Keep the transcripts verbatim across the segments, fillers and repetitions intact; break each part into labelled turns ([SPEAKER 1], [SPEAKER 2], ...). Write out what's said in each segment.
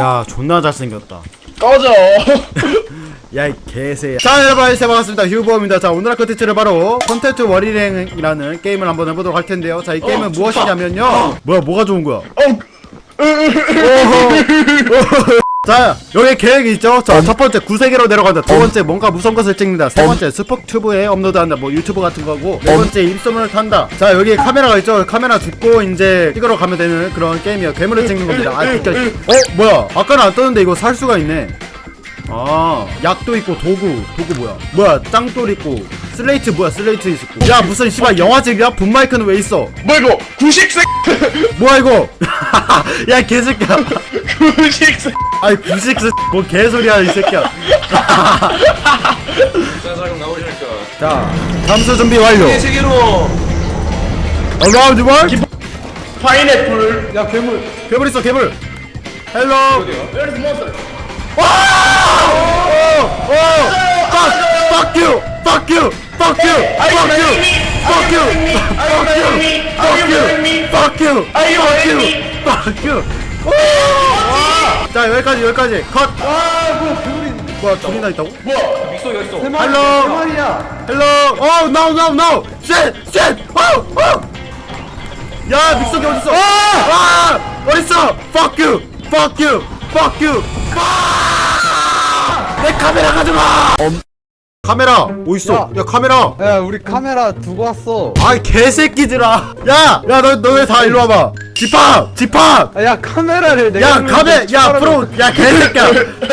[SPEAKER 1] 야 존나 잘생겼다.
[SPEAKER 2] 꺼져.
[SPEAKER 1] 야 이 개새야. 자 여러분 안녕하세요, 반갑습니다. 휴보입니다. 자 오늘 할 컨텐츠를 바로 컨텐츠 월일행이라는 게임을 한번 해보도록 할 텐데요. 자 이 게임은
[SPEAKER 2] 어,
[SPEAKER 1] 무엇이냐면요.
[SPEAKER 2] 어.
[SPEAKER 1] 뭐야 뭐가 좋은 거야?
[SPEAKER 2] 어.
[SPEAKER 1] 자 여기 계획이 있죠. 자 첫번째 구세계로 내려간다. 두번째 뭔가 무서운 것을 찍는다. 세번째 스포튜브에 업로드한다. 뭐 유튜브 같은 거고. 네번째 입소문을 탄다. 자 여기 카메라가 있죠. 카메라 줍고 이제 찍으러 가면 되는 그런 게임이에요. 괴물을 찍는 겁니다. 아 비켜. 어 뭐야 아까는 안 떴는데 이거 살 수가 있네. 아 약도 있고 도구 도구 뭐야 뭐야 짱돌 있고 슬레이트 뭐야 슬레이트 있고. 야 무슨 씨발 영화책이야? 붐마이크는 왜 있어?
[SPEAKER 2] 뭐 이거 구식색.
[SPEAKER 1] 뭐야 이거? 야 개새끼야.
[SPEAKER 2] 구식색.
[SPEAKER 1] 아이 구식스 뭐 개소리야 이 새끼야.
[SPEAKER 3] 자, 잠깐 나오시니까.
[SPEAKER 1] 자 잠수 준비 완료.
[SPEAKER 3] 세계로.
[SPEAKER 1] 어라운드 원.
[SPEAKER 2] 파인애플.
[SPEAKER 1] 야 괴물 괴물 있어 괴물. 헬로.
[SPEAKER 2] Where's monster?
[SPEAKER 1] 와! 오! 오! Fuck! Fuck you! Fuck you! Fuck you! Fuck you! Fuck you! Fuck you! Fuck you! Fuck you! Fuck you! Fuck you! 오! 자 여기까지 여기까지 컷.
[SPEAKER 2] 아, 뭐야 괴물이.
[SPEAKER 1] 뭐야 둘이나 있다고?
[SPEAKER 2] 뭐야?
[SPEAKER 3] 믹서기가 있어.
[SPEAKER 1] 헬로.
[SPEAKER 2] 말이야.
[SPEAKER 1] 헬로. 오 no no no. Shit shit. 오 오. 야 믹서기 어딨어? 아! 어딨어? Fuck you! Fuck you! Fuck you! 내 카메라 가져가! 음. 카메라 어딨어? 야, 야 카메라!
[SPEAKER 4] 야 우리 카메라 두고 왔어.
[SPEAKER 1] 아이 개새끼들아! 야! 야 너 너네 다 일로 와봐! 집합! 집합!
[SPEAKER 4] 아, 야 카메라를 내가
[SPEAKER 1] 야
[SPEAKER 4] 누르는데
[SPEAKER 1] 카메! 야
[SPEAKER 4] 집사람이-
[SPEAKER 1] 프로! 야 개새끼야!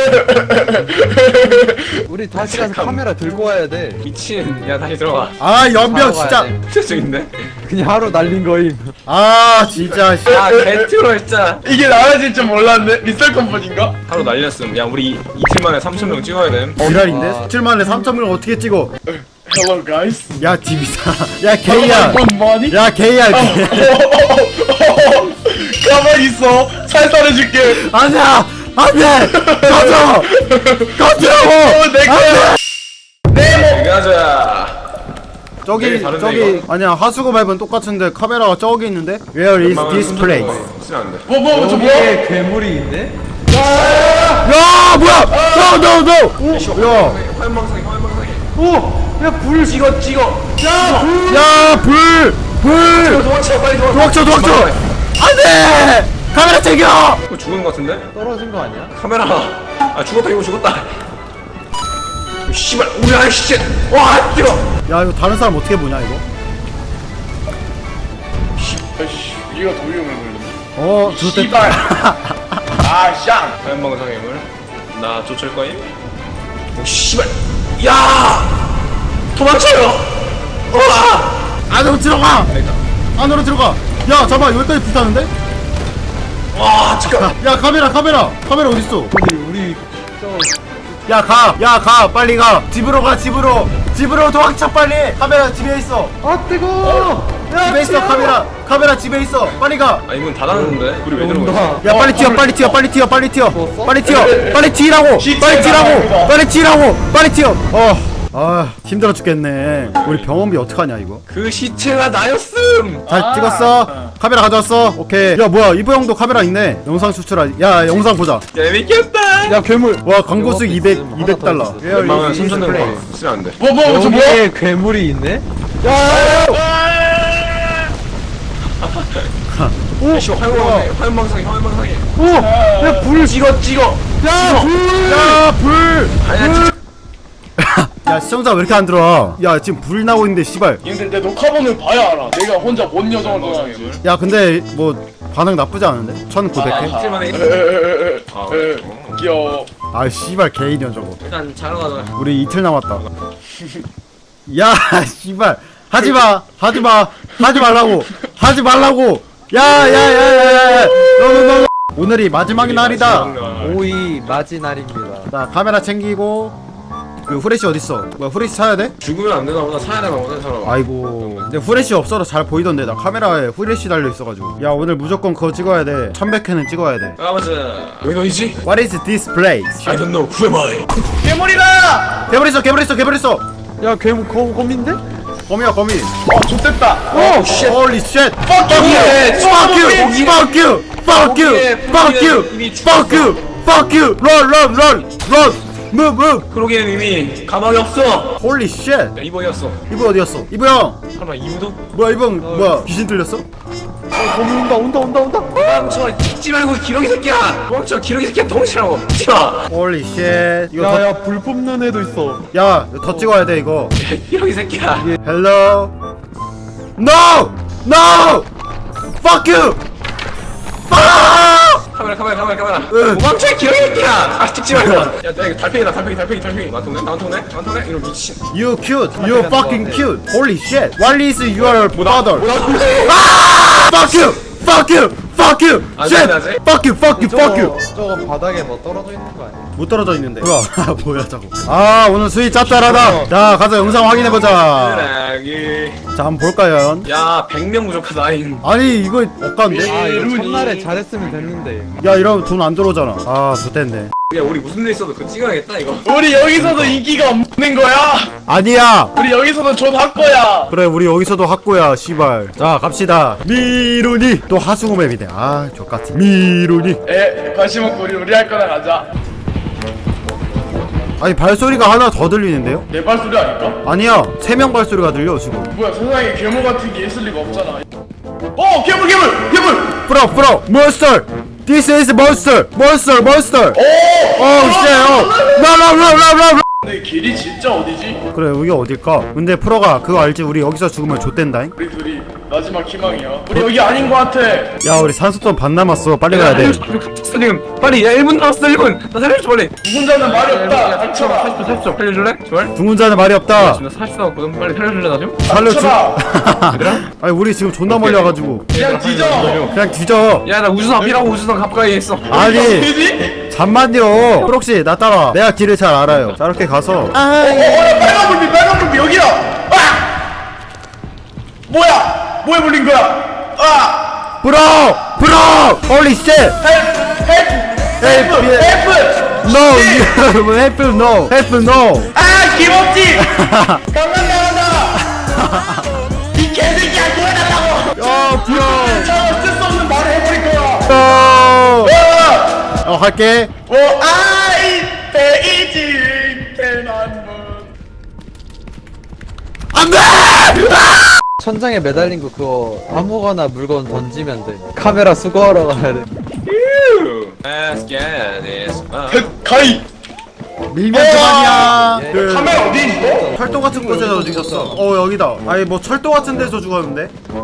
[SPEAKER 4] 우리 다시 가서 카메라 들고 와야 돼.
[SPEAKER 3] 미친. 야, 다시 들어가.
[SPEAKER 1] 아 연병
[SPEAKER 4] 바로
[SPEAKER 1] 진짜!
[SPEAKER 4] 가야 돼.
[SPEAKER 3] 저쪽인데?
[SPEAKER 4] 그냥 하루 날린 거임.
[SPEAKER 1] 아 진짜 씨.
[SPEAKER 3] 야, 개트로 진짜.
[SPEAKER 2] 이게 나아질 줄 몰랐네. 미스터 컴퍼니인가?
[SPEAKER 3] 하루 날렸음. 야, 우리 이- 이틀 만에 삼천 명 찍어야 돼.
[SPEAKER 1] 지랄인데?
[SPEAKER 4] 아.
[SPEAKER 1] 칠 만에 삼천 명을 어떻게 찍어?
[SPEAKER 2] Hello guys.
[SPEAKER 1] 야 디비사 야 개야!
[SPEAKER 2] Good morning.
[SPEAKER 1] 야 개야 개.
[SPEAKER 2] 가만히 있어. 살살해줄게.
[SPEAKER 1] 아니야! 안돼! 꺼져! 꺼지라고!
[SPEAKER 2] 어, 내 거야.
[SPEAKER 3] 네, 가자.
[SPEAKER 1] 저기
[SPEAKER 3] 네, 다른데,
[SPEAKER 1] 저기
[SPEAKER 3] 이거?
[SPEAKER 1] 아니야 하수구 밟은 똑같은데 카메라가 저기 있는데? Where is this place?
[SPEAKER 3] 쓰면 안 돼.
[SPEAKER 2] 뭐, 뭐, 저 뭐?
[SPEAKER 4] 여기에 괴물이 있네?
[SPEAKER 1] 야 뭐야! No no no! 야!
[SPEAKER 3] 화염방사기, 화염방사기.
[SPEAKER 4] 오! 야 불!
[SPEAKER 3] 찍어, 찍어.
[SPEAKER 1] 야 불! 불!
[SPEAKER 3] 도망쳐, 빨리 도망쳐.
[SPEAKER 1] 도망쳐 도망쳐! 안돼! 카메라 챙겨!
[SPEAKER 3] 이거 죽은 거 같은데?
[SPEAKER 4] 떨어진 거 아니야?
[SPEAKER 3] 카메라. 아, 죽었다, 이거 죽었다. 오, 씨발, 우야, 씨. 와, 뜨거.
[SPEAKER 1] 야 이거 다른 사람 어떻게 보냐 이거?
[SPEAKER 2] 아이씨, 얘가 더 위험해 보이는데.
[SPEAKER 1] 어 좋댔다.
[SPEAKER 2] 씨발. 아, 샹.
[SPEAKER 3] 화염방사기 물. 나 쫓을 거임. 오, 씨발. 야! 도망쳐요. 와!
[SPEAKER 1] 안으로 들어가! 안으로 들어가! 야 잠깐만 여기까지 붙었는데?
[SPEAKER 3] 와, 잠깐.
[SPEAKER 1] 야 카메라 카메라! 카메라 어딨어?
[SPEAKER 4] 우리 우리 저
[SPEAKER 1] 야 가! 야 가! 빨리 가! 집으로 가 집으로! 집으로 도망쳐 빨리! 카메라 집에 있어!
[SPEAKER 4] 아 뜨거! 야
[SPEAKER 1] 집에 있어 카메라! 카메라 집에 있어! 빨리 가!
[SPEAKER 3] 아, 이문 닫았는데? 우리 왜 들어가 있어?
[SPEAKER 4] 온다.
[SPEAKER 1] 야 빨리 튀어 빨리 튀어 빨리 튀어 빨리 튀어
[SPEAKER 4] 죽었어?
[SPEAKER 1] 빨리 튀어 빨리 튀라고 빨리 튀라고 빨리 튀라고 빨리 튀어 어. 아 힘들어 죽겠네. 우리 병원비 어떡하냐 이거.
[SPEAKER 3] 그 시체가 나였음!
[SPEAKER 1] 잘
[SPEAKER 2] 아.
[SPEAKER 1] 찍었어? 카메라 가져왔어? 오케이. 야 뭐야 이보 형도 카메라 있네. 영상 추출하. 야 영상 보자.
[SPEAKER 3] 재밌겠다!
[SPEAKER 4] 야 괴물!
[SPEAKER 1] 와 광고 수익 이백
[SPEAKER 4] 하나 더
[SPEAKER 1] 이백 달러.
[SPEAKER 4] 있어.
[SPEAKER 3] 웬만하면 삼천 원 쓰면 안 돼.
[SPEAKER 2] 뭐, 뭐, 저 뭐?
[SPEAKER 4] 여기에 괴물이 있네?
[SPEAKER 3] 오! 씨, 화염방사기, 화염방사기, 화염방사기.
[SPEAKER 4] 오! 야 불!
[SPEAKER 3] 찍어, 찍어!
[SPEAKER 1] 야 불! 야 불!
[SPEAKER 3] 아니야, 진짜.
[SPEAKER 1] 야 시청자 왜 이렇게 안 들어와? 야 지금 불 나고 있는데 씨발.
[SPEAKER 2] 얘들 내 녹화본을 봐야 알아. 내가 혼자 뭔 여정을
[SPEAKER 3] 화염방사기
[SPEAKER 2] 떠나는지.
[SPEAKER 3] 물.
[SPEAKER 1] 야 근데 뭐 반응 나쁘지 않은데? 천구백 회?
[SPEAKER 3] 이틀 만에.
[SPEAKER 2] 에에에에.
[SPEAKER 3] 아,
[SPEAKER 2] 에, 귀여워.
[SPEAKER 1] 아 씨발 개이년 저거.
[SPEAKER 3] 일단 자러 가자.
[SPEAKER 1] 우리 이틀 남았다. 야 씨발 하지마 하지마 하지 말라고 하지 말라고. 야야야야야 너너너 오늘이 마지막 날이다.
[SPEAKER 4] 오이 맞이 날입니다.
[SPEAKER 1] 자 카메라 챙기고. 그 후레쉬 어딨어? 뭐야 후레쉬 사야 돼?
[SPEAKER 3] 죽으면 안 되나 보다. 사야 되나 보다, 사람.
[SPEAKER 1] 아이고 근데 후레쉬 없어서 잘 보이던데 나 카메라에 후레쉬 달려 있어가지고. 야 오늘 무조건 그거 찍어야 돼. 천백 회는 찍어야 돼.
[SPEAKER 3] 가보자. 여기 어디지?
[SPEAKER 1] What is this place?
[SPEAKER 3] I don't know. Who am I?
[SPEAKER 2] 괴물이다!
[SPEAKER 1] 개불 있어 개불 있어 개불 있어.
[SPEAKER 4] 야 괴물 거, 거민데?
[SPEAKER 1] 거미야 거미.
[SPEAKER 2] 어, 좋됐다.
[SPEAKER 1] 오 쉣. Holy shit.
[SPEAKER 2] Fuck you!
[SPEAKER 1] Fuck you! Fuck you! Fuck you! Fuck you! Fuck you! Fuck you! fuck you run run run run move move
[SPEAKER 3] 크로기는 이미 가망이 없어.
[SPEAKER 1] holy shit
[SPEAKER 3] 야, 이번이었어.
[SPEAKER 1] 이브 어디였어? 이브 형
[SPEAKER 3] 설마 이브도?
[SPEAKER 1] 뭐야 이브 형 뭐야 귀신 들렸어?
[SPEAKER 4] 거미 온다 온다 온다 온다.
[SPEAKER 3] 도망쳐. 찍지 말고 기러기 새끼야. 도망쳐. 기러기 새끼야. 덩치라고. 찍지마.
[SPEAKER 1] holy shit 이거 더,
[SPEAKER 4] 야야 불 뿜는 애도 있어.
[SPEAKER 1] 야 이거 더 찍어야 돼 이거
[SPEAKER 3] 기러기 새끼야.
[SPEAKER 1] hello no no fuck you fuck
[SPEAKER 3] 카메라 카메라 카메라 카메라.
[SPEAKER 1] 응.
[SPEAKER 3] 도망쳐. 기러기 새끼야. 아 찍지 말고. 야, 야 이거 달팽이다. 달팽이 달팽이 달팽이. 나한테 나한테 나한테 이런 미친.
[SPEAKER 1] you cute you fucking cute holy shit what is your father
[SPEAKER 3] 뭐라
[SPEAKER 1] fuck you fuck you fuck you
[SPEAKER 3] 안
[SPEAKER 1] shit
[SPEAKER 3] 돼, 안 돼.
[SPEAKER 1] fuck you fuck you fuck you
[SPEAKER 4] 저거 바닥에 뭐 떨어져 있는 거 아니야?
[SPEAKER 1] 못 떨어져 있는데 뭐야 뭐야 저거 아 오늘 수위 짭짤하다 자 가서 영상 확인해보자
[SPEAKER 3] 쓰레기.
[SPEAKER 1] 자 한번 볼까요
[SPEAKER 3] 야 백 명 부족하다. 아니
[SPEAKER 1] 아니 이거 억간데
[SPEAKER 4] 아 이거
[SPEAKER 3] 이러니.
[SPEAKER 4] 첫날에 잘했으면 됐는데.
[SPEAKER 1] 야 이러면 돈 안 들어오잖아 아 좋댔네
[SPEAKER 3] 야 우리 무슨 일 있어도 그거 찍어야겠다 이거.
[SPEAKER 2] 우리 여기서도 인기가 없는 거야.
[SPEAKER 1] 아니야
[SPEAKER 2] 우리 여기서도 존할 거야.
[SPEAKER 1] 그래 우리 여기서도 학고야 씨발 자 갑시다 미루니 또 하승우 맵이네 아 족같아 미루니
[SPEAKER 2] 에 관심 없고 우리 우리 할 거나 가자.
[SPEAKER 1] 아니 발소리가 하나 더 들리는데요?
[SPEAKER 2] 내 발소리 아닐까?
[SPEAKER 1] 아니야 세 명 발소리가 들려 지금
[SPEAKER 2] 뭐야 세상에 괴물 같은 게 있을 리가 없잖아. 어 괴물 괴물 괴물.
[SPEAKER 1] 프로 프로 몬스터 This is monster monster monster
[SPEAKER 2] 오.
[SPEAKER 1] 오 쉣 라라라라라
[SPEAKER 2] 근데 길이 진짜 어디지?
[SPEAKER 1] 그래 여기 어딜까? 근데 프로가 그거 알지? 우리 여기서 죽으면 좆된다잉?
[SPEAKER 2] 우리 둘이 마지막 희망이야. 우리 여기 아닌 거 같아.
[SPEAKER 1] 야 우리 산소통 반 남았어 빨리 가야 돼
[SPEAKER 3] 지금 빨리 야 일 분 남았어 일 분. 나 살려줘 빨리.
[SPEAKER 2] 누군자는 말이 없다. 닥쳐라.
[SPEAKER 3] 사십 초 사십 초 살려줄래? 제발.
[SPEAKER 1] 죽은 자는 말이 없다
[SPEAKER 3] 나 사십 초 남았거든. 빨리 살려줄래 나 좀?
[SPEAKER 1] 살려주
[SPEAKER 2] 닥쳐라.
[SPEAKER 3] 얘들아?
[SPEAKER 1] 아니 우리 지금 존나 멀리 와가지고
[SPEAKER 2] 그냥 뒤져.
[SPEAKER 1] 그냥 뒤져
[SPEAKER 3] 야 나 우주선 앞이라고 우주선 가까이 있어.
[SPEAKER 1] 아니
[SPEAKER 2] 어디지?
[SPEAKER 1] 잠만요 프록씨 나 따라 내가 길을 잘 알아요 자 이렇게 가서
[SPEAKER 2] 어, 어, 야, 빨간 불빛, 빨간 불빛, 여기야! 아! 뭐야? 뭐에 물린 거야? 아!
[SPEAKER 1] 브로! 브로! 홀리 쉣!
[SPEAKER 2] 헬프! 헬프! 헬프!
[SPEAKER 1] 헬프!
[SPEAKER 2] 헬프!
[SPEAKER 1] No! you- help no! help no!
[SPEAKER 2] 아! 김없지! 강남 나간다! 이 개새끼야, 구해달라고!
[SPEAKER 1] 야 브로!
[SPEAKER 2] 저 쓸수 없는 말을 해버릴 거야!
[SPEAKER 1] 어!
[SPEAKER 2] 어!
[SPEAKER 1] 어 할게
[SPEAKER 2] 어, 아이, 베이징, 대만문.
[SPEAKER 1] 안돼!
[SPEAKER 4] 천장에 매달린 거 그거 아무거나 물건 던지면 돼. 카메라 수거하러 가야 돼.
[SPEAKER 3] Let's get this.
[SPEAKER 2] 가이!
[SPEAKER 1] 밀면 그만이야
[SPEAKER 4] 예.
[SPEAKER 1] 그
[SPEAKER 2] 카메라 어디 있어?
[SPEAKER 1] 철도 같은 곳에서 죽였어 어 여기다 아니 뭐 철도 같은 데서 죽었는데?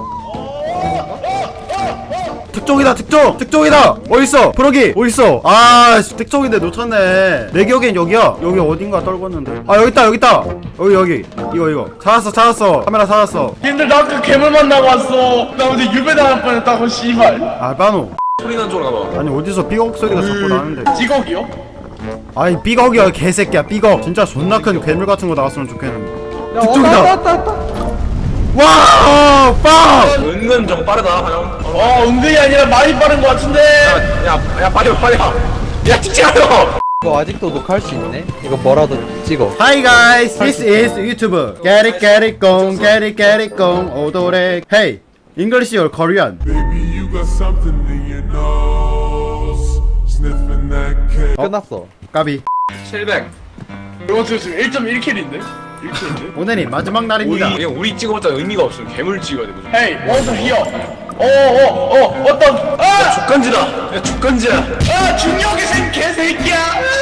[SPEAKER 1] 특종이다 특종! 특종이다! 어딨어? 프로기 어딨어? 아 씨, 특종인데 놓쳤네 내 기억엔 여기야 여기 어딘가 떨궜는데 아 여기있다 여기있다 여기 여기 이거 이거 찾았어 찾았어 카메라 찾았어
[SPEAKER 2] 님들 나 아까 괴물 만나고 왔어. 나 어제 유배 당할 뻔했다고 씨발.
[SPEAKER 1] 아 빠노
[SPEAKER 3] 소리 난 쪽으로 가봐.
[SPEAKER 1] 아니 어디서 삐걱 소리가 자꾸 나는데
[SPEAKER 2] 찌걱이요?
[SPEAKER 1] 아니 삐걱이야 개새끼야 삐걱 진짜 존나 큰 괴물 같은 거 나왔으면 좋겠는데
[SPEAKER 4] 야,
[SPEAKER 1] 특종이다.
[SPEAKER 4] 왔다 왔다 왔다.
[SPEAKER 1] 와우 빵!
[SPEAKER 3] 은근 좀 빠르다 화영.
[SPEAKER 2] 어, 은근히 아니라 많이 빠른 것 같은데.
[SPEAKER 3] 야야 빨리 와, 빨리 와. 야 찍지 마요.
[SPEAKER 4] 이거 아직도 녹화할 수 있네? 이거 뭐라도 찍어.
[SPEAKER 1] Hi guys, this is YouTube. Get it, get it, gong, get it, get it, gong. 오도레. Hey, English or Korean?
[SPEAKER 5] Baby, you got something in your nose. Sniffing that cake.
[SPEAKER 4] 끝났어.
[SPEAKER 1] 까비.
[SPEAKER 3] 칠백.
[SPEAKER 2] 이거 지금 일 점 일 킬인데? 일 킬인데?
[SPEAKER 1] 오늘이 마지막
[SPEAKER 3] 우리
[SPEAKER 1] 날입니다.
[SPEAKER 3] 그냥 우리 찍어봤자 의미가 없어. 괴물 찍어야 돼 무조건.
[SPEAKER 2] Hey, what's here? 어어어 어떤 아!
[SPEAKER 3] 죽간지다. 야 죽간지야.
[SPEAKER 2] 아 중력의 생 개새끼야!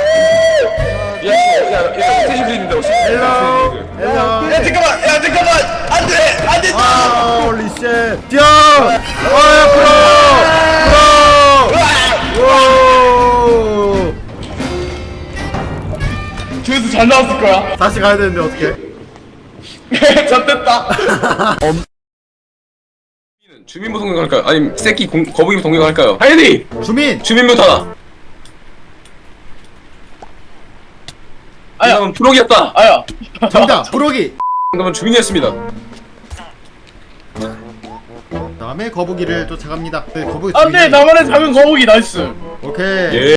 [SPEAKER 3] 야야야 스테이션 그리는데 혹시?
[SPEAKER 1] Hello, hello.
[SPEAKER 2] 야 잠깐만 야 잠깐만 안돼 안돼
[SPEAKER 1] 아, 홀리 쉣. 뛰어! 아, 프로! 프로! 오!
[SPEAKER 2] 조회수 잘 나왔을 거야.
[SPEAKER 1] 다시 가야 되는데 어떡해?
[SPEAKER 2] 졌됐다.
[SPEAKER 3] 주민부 동경할까요? 아니 새끼 공, 거북이 동경할까요? 하이디
[SPEAKER 1] 주민!
[SPEAKER 3] 주민부 닫아.
[SPEAKER 2] 아야.
[SPEAKER 3] 그다음은 프로기였다.
[SPEAKER 2] 아야.
[SPEAKER 1] 정답! 부록이!
[SPEAKER 3] 그다음은 주민이었습니다.
[SPEAKER 1] 다음에 거북이를 쫓아갑니다. 네, 거북이
[SPEAKER 2] 안돼
[SPEAKER 1] 주민이-
[SPEAKER 2] 나만의 작은 거북이 나이스.
[SPEAKER 1] 오케이.
[SPEAKER 3] 예.